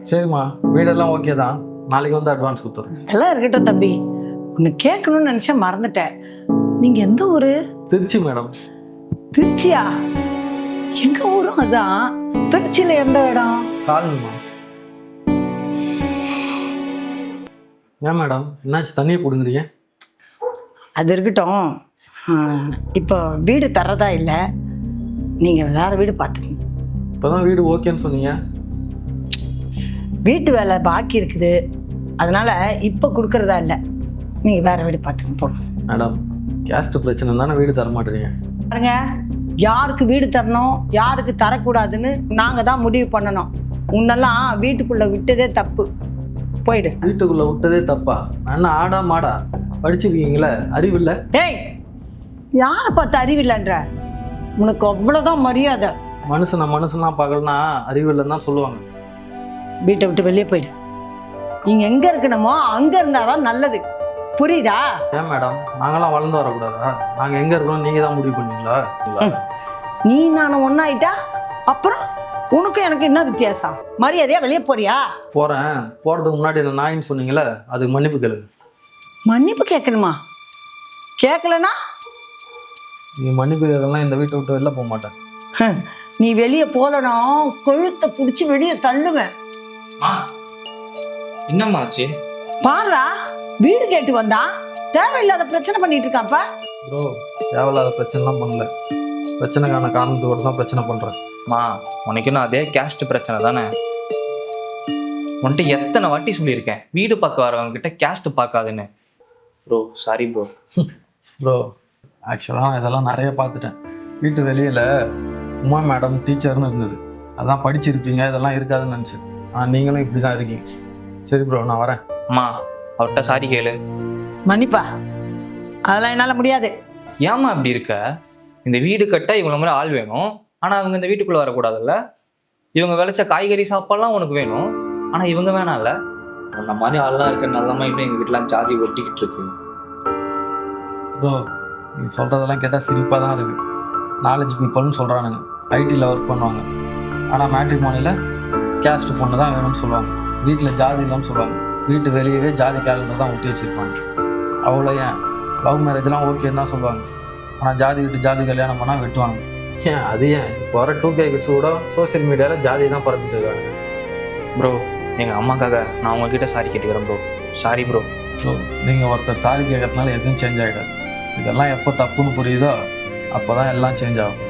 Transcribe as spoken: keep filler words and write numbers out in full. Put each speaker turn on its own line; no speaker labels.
சரிம்மா, வீடெல்லாம் ஓகே தான். நாளைக்கு வந்து அட்வான்ஸ் கொடுத்துறேன்.
எல்லாம் இருக்கட்டும் தம்பி. உன்னை கேட்கணும்னு நினச்சேன், மறந்துட்டேன். நீங்கள் எந்த ஊர்?
திருச்சி மேடம்.
திருச்சியா? எங்கள் ஊரும் அதான். திருச்சியில் எந்த இடம்?
காலனிமா. ஏன் மேடம் என்னாச்சு, தண்ணியை பிடுங்குறீங்க?
அது இருக்கட்டும். இப்போ வீடு தரதா இல்லை, நீங்கள் வேறு வீடு பார்த்துக்கங்க.
இப்போ தான் வீடு ஓகேன்னு சொன்னீங்க.
வீட்டு வேலை பாக்கி இருக்குது, அதனால் இப்போ கொடுக்குறதா இல்லை. நீங்கள் வேறு வீடு பார்த்துக்கங்க போகணும்.
மேடம் கேஸ்ட் பிரச்சனை தானே வீடு தர மாட்டேறீங்க.
பாருங்க, யாருக்கு வீடு தரணும் யாருக்கு தரக்கூடாதுன்னு நாங்கள் தான் முடிவு பண்ணணும். உன்னெல்லாம் வீட்டுக்குள்ளே விட்டதே தப்பு. போயிடு.
வீட்டுக்குள்ளே விட்டதே தப்பா? நான் ஆடா மாடா படிச்சிருக்கீங்களே, அறிவில்லை?
ஏய், யாரை பார்த்து அறிவில்லைன்ற? உனக்கு அவ்வளோதான் மரியாதை.
மனுஷனை மனுஷனா பார்க்கலன்னா அறிவில்லைன்னு தான் சொல்லுவாங்க.
வீட்டை விட்டு வெளியே போயிடு. நீங்கள் எங்கே இருக்கணுமோ அங்கே இருந்தால் தான் நல்லது, புரியுதா?
ஏன் மேடம் நாங்களாம் வளர்ந்து வரக்கூடாதா? நாங்கள் எங்கே இருக்கணும் நீங்கள் தான் முடிவு பண்ணுவீங்களா?
நீ நான் ஒன்றாயிட்டா அப்புறம் உனக்கும் எனக்கு என்ன வித்தியாசம்? மரியாதையா வெளியே போறியா?
போகிறேன். போகிறதுக்கு முன்னாடி என்ன நாயின்னு சொன்னீங்களே, அதுக்கு மன்னிப்பு கேளுங்க.
மன்னிப்பு கேட்கணுமா? கேட்கலனா
நீ மன்னிப்பு கேட்கலாம், இந்த வீட்டை விட்டு வெளில போக மாட்டேன்.
நீ வெளியே போலனா கொழுத்தை பிடிச்சி வெளியே தள்ளுவேன்.
என்னம்மாச்சு?
பாருடா, வீடு கேட்டு வந்தா தேவையில்லாத பிரச்சனை பண்ணிட்டு இருக்காப்பா.
ப்ரோ தேவையில்லாத பிரச்சனைலாம் பண்ணல, பிரச்சனைக்கான காரணத்தோடு தான் பிரச்சனை பண்ணுறேன்.
மா உனக்கு இன்னும் அதே கேஸ்ட் பிரச்சனை தானே? உன்கிட்ட எத்தனை வாட்டி சொல்லியிருக்கேன் வீடு பார்க்க வரவங்க கிட்ட கேஸ்ட் பார்க்காதுன்னு. Bro sorry bro.
ப்ரோ ஆக்சுவலாக இதெல்லாம் நிறைய பார்த்துட்டேன். வீட்டு வெளியில் உமா மேடம் டீச்சர்னு இருந்தது, அதான் படிச்சிருப்பீங்க, இதெல்லாம் இருக்காதுன்னு நினச்சேன். ஆனால் நீங்களும் இப்படி தான் இருக்கீங்க. சரி ப்ரோ, நான் வரேன்.
அம்மா அவர்கிட்ட சாரி கேளு.
மன்னிப்பா, அதெல்லாம் என்னால் முடியாது.
ஏம்மா இப்படி இருக்க? இந்த வீடு கட்ட இவங்கள மாதிரி ஆள் வேணும், ஆனால் அவங்க இந்த வீட்டுக்குள்ளே வரக்கூடாதுல்ல? இவங்க விளைச்ச காய்கறி சாப்பாடுலாம் உனக்கு வேணும், ஆனால் இவங்க வேணாம்ல? அந்த மாதிரி ஆள்லாம் இருக்க நல்லமா இன்னும் எங்கள் வீட்டிலாம் ஜாதி ஒட்டிக்கிட்டு இருக்கு.
ப்ரோ நீங்கள் சொல்கிறதெல்லாம் கேட்டால் சிரிப்பாக தான் இருக்குது. நாலேஜ் பீப்புள்னு சொல்கிறானுங்க, ஐடியில் ஒர்க் பண்ணுவாங்க, ஆனால் மேட்ரிமோனியில் கேஸ்ட் பொண்ணு தான் வேணும்னு சொல்லுவாங்க. வீட்டில் ஜாதி இல்லைன்னு சொல்லுவாங்க. வீட்டு வெளியவே ஜாதி கேலண்டர் தான் ஒட்டி வச்சுருப்பாங்க. அவ்வளோ ஏன் லவ் மேரேஜ்லாம் ஓகேன்னு தான் சொல்லுவாங்க, ஆனால் ஜாதி விட்டு ஜாதி கல்யாணம் பண்ணால் வெட்டுவாங்க. ஏன் அது ஏன் இப்போ வர டூ கே கிட்ஸ் கூட சோசியல் மீடியாவில் ஜாதி தான் பரப்பிட்டு இருக்காங்க.
ப்ரோ எங்கள் அம்மாக்காக நான் உங்ககிட்ட சாரி கேட்டுக்கிறேன் ப்ரோ. Sorry bro.
ஸோ நீங்கள் ஒருத்தர் சாரி கேட்கறதுனால எதுவும் சேஞ்ச் ஆகிடாது. இதெல்லாம் எப்போ தப்புன்னு புரியுதோ அப்போ தான் எல்லாம் சேஞ்ச் ஆகும்.